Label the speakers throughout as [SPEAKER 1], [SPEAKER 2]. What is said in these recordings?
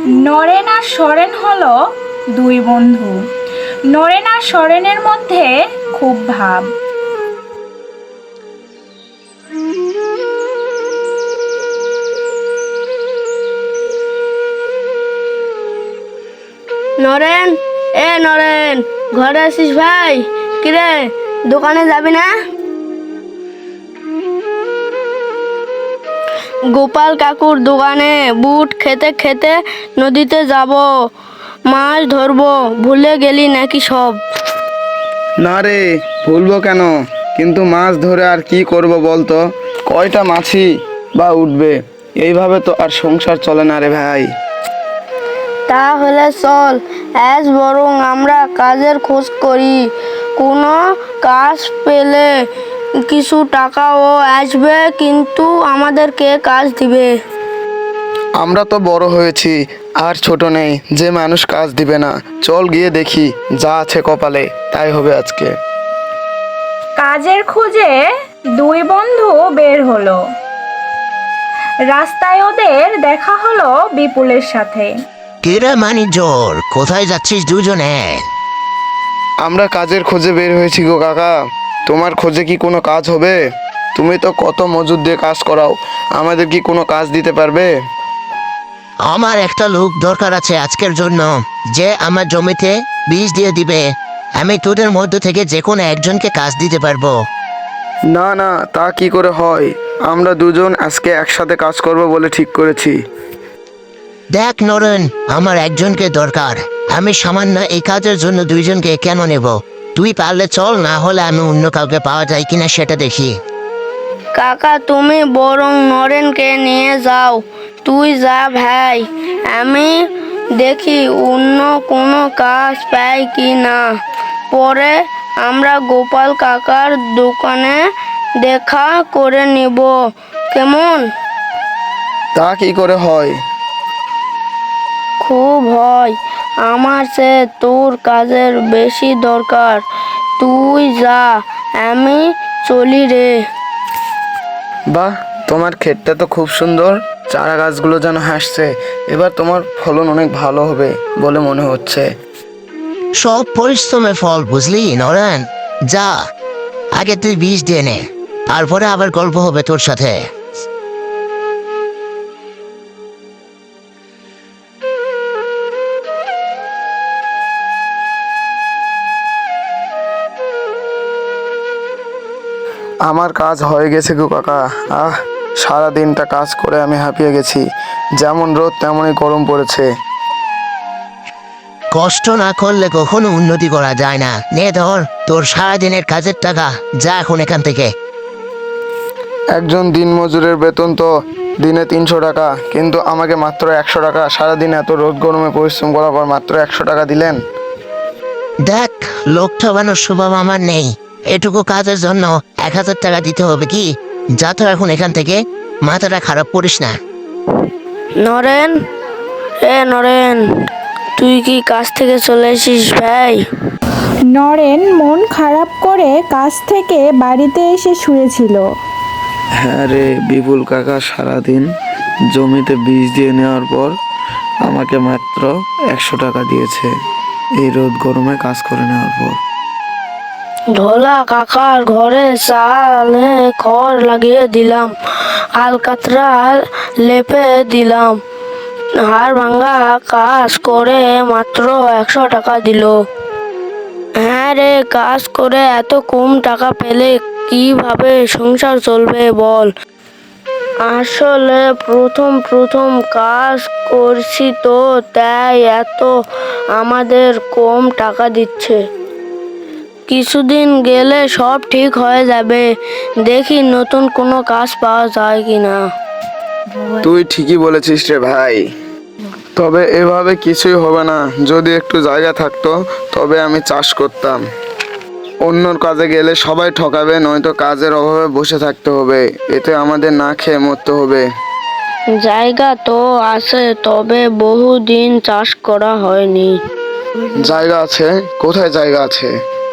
[SPEAKER 1] নরেন আর সরেন হলো দুই বন্ধু। নরেন আর সরেনের মধ্যে খুব ভাব।
[SPEAKER 2] নরেন, নরেন, ঘরে আছিস ভাই? কিরে, দোকানে যাবি না? গোপাল কাকুর দোকানে বুট খেতে খেতে নদীতে যাব, মাছ ধরবো। ভুলে গেলি নাকি সব?
[SPEAKER 3] না রে, ভুলবো কেন? কিন্তু মাছ ধরে আর কি করব বলতো? কয়টা মাছই বা উঠবে? এইভাবে তো আর সংসার চলে না রে ভাই।
[SPEAKER 2] তাহলে চল, আজ বরং আমরা কাজের খোঁজ করি। কোনো কাজ পেলে কিছু টাকাও আসবে, কিন্তু আমাদেরকে কাজ দিবে।
[SPEAKER 3] আমরা তো বড় হয়েছি, আর ছোট নেই যে মানুষ কাজ দিবে না। চল গিয়ে দেখি, যা আছে কপালে তাই হবে আজকে।
[SPEAKER 1] কাজের খোঁজে দুই বন্ধু বের হলো। রাস্তায় ওদের দেখা হলো বিপুলের সাথে।
[SPEAKER 4] কিরে মানিকজোর, কোথায় যাচ্ছিস দুজনে?
[SPEAKER 3] আমরা কাজের খোঁজে বের হয়েছি গো কাকা। তোমার খোঁজে কি কোনো কাজ হবে? তুমি তো কত মজুর দিয়ে কাজ করাও, আমাদের কি কোনো কাজ দিতে পারবে?
[SPEAKER 4] আমার একটা লোক দরকার আছে আজকের জন্য, যে আমার জমিতে বীজ দিয়ে দিবে। আমি তোদের মধ্য থেকে যে কোনো একজনকে কাজ দিতে পারবো।
[SPEAKER 3] না না, তা কি করে হয়? আমরা দুজন আজকে একসাথে কাজ করব বলে ঠিক করেছি।
[SPEAKER 4] দেখ নরেন, আমার একজনকে দরকার। আমি সামান্য এই কাজের জন্য দুইজনকে কেন নেব? তুই পারলে চল, না হলে আমি অন্য কাউকে পাওয়া যায় কিনা সেটা দেখি।
[SPEAKER 2] কাকা, তুমি বরং নরেনকে নিয়ে যাও। তুই যা ভাই, আমি দেখি অন্য কোনো কাজ পাই কি না। পরে আমরা গোপাল কাকার দোকানে দেখা করে নিব, কেমন?
[SPEAKER 3] তা কি করে হয়?
[SPEAKER 2] খুব হয়। আমার সে তোর কাজের বেশি দরকার। তুই যা, আমি চলি রে।
[SPEAKER 3] বাহ, তোমার ক্ষেতটা তো খুব সুন্দর। চারা গাছগুলো যেন হাসছে। এবার তোমার ফলন অনেক ভালো হবে বলে মনে হচ্ছে।
[SPEAKER 4] সব পরিশ্রমের ফল, বুঝলি নরেন? যা, আগে তুই বীজ দিয়ে নে, তারপরে আবার গল্প হবে তোর সাথে।
[SPEAKER 3] আমার কাজ হয়ে গেছে গো কাকা। সারা দিনটা কাজ করে আমি হাঁপিয়ে গেছি। যেমন রোদ তেমনই গরম পড়েছে।
[SPEAKER 4] কষ্ট না করলে কখনো উন্নতি করা যায় না। নে ধর তোর সারাদিনের কাজের টাকা, যা এখন এখান থেকে।
[SPEAKER 3] একজন দিনমজুরের বেতন তো দিনে 300 টাকা, কিন্তু আমাকে মাত্র 100 টাকা। সারাদিন এত রোদ গরমে পরিশ্রম করার পর মাত্র 100 টাকা দিলেন।
[SPEAKER 4] দেখ, লোক ঠকানোর স্বভাব আমার নেই। এটুকু কাজের জন্য 1000 টাকা দিতে হবে কি? যা তো এখন এখান থেকে, মাথাটা খারাপ করিস না।
[SPEAKER 2] নরেন, নরেন, তুই কি কাজ থেকে চলে এসিস ভাই?
[SPEAKER 1] নরেন মন খারাপ করে কাজ থেকে বাড়িতে এসে শুয়েছিল।
[SPEAKER 3] হ্যাঁ রে, বিপুল কাকা সারাদিন জমিতে বীজ দিয়ে নেওয়ার পর আমাকে মাত্র 100 টাকা দিয়েছে, এই রোদ গরমে কাজ করে নেওয়ার পর।
[SPEAKER 2] ঢোলা কাকার ঘরে চালে খড় লাগিয়ে দিলাম, আলকাতরা লেপে দিলাম। হাড় ভাঙ্গা কাজ করে মাত্র 100 টাকা দিল। হ্যাঁ রে, কাজ করে এত কম টাকা পেলে কিভাবে সংসার চলবে বল? আসলে প্রথম প্রথম কাজ করছি তো, তাই এত আমাদের কম টাকা দিচ্ছে। কিছুদিন গেলে সব ঠিক হয়ে যাবে। দেখি নতুন কোনো কাজ পাওয়া যায় কিনা।
[SPEAKER 3] তুই ঠিকই বলেছিস রে ভাই, তবে এভাবে কিছুই হবে না। যদি একটু জায়গা থাকতো তবে আমি চাষ করতাম। অন্যর কাজে গেলে সবাই ঠকাবে, নয়তো কাজের অভাবে বসে থাকতে হবে। এতে আমাদের না খেয়ে মরতে হবে।
[SPEAKER 2] জায়গা তো আছে, তবে বহুদিন চাষ করা হয়নি।
[SPEAKER 3] জায়গা আছে? কোথায় জায়গা আছে?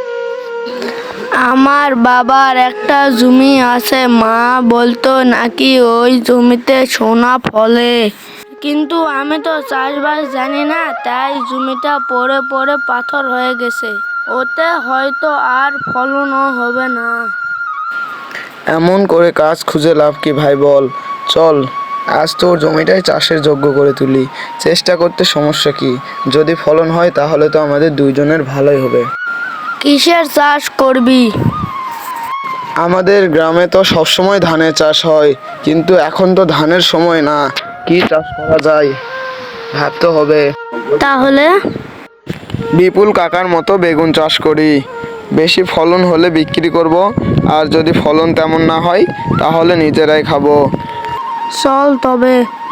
[SPEAKER 2] আমার বাবার একটা জমি আছে, মা বলতো নাকি ওই জমিতে সোনা ফলে। কিন্তু আমি তো চাষবাস জানি না, তাই জমিটা পড়ে পড়ে পাথর হয়ে গেছে। ওতে হয়তো আর ফলনও হবে না।
[SPEAKER 3] এমন করে কাজ খুঁজে লাভ কি ভাই বল? চল আজ তোর জমিটাই চাষের যোগ্য করে তুলি। চেষ্টা করতে সমস্যা কি? যদি ফলন হয় তাহলে তো আমাদের দুইজনের ভালোই হবে।
[SPEAKER 2] কিসের চাষ করবি?
[SPEAKER 3] আমাদের গ্রামে তো সবসময় ধানের চাষ হয়, কিন্তু এখন তো ধানের সময় না। কি চাষ করা যায় ভাবতে হবে।
[SPEAKER 2] তাহলে
[SPEAKER 3] বিপুল কাকার মতো বেগুন চাষ করি। বেশি ফলন হলে বিক্রি করব, আর যদি ফলন তেমন না হয় তাহলে নিজেরাই খাবো।
[SPEAKER 2] চল তবে।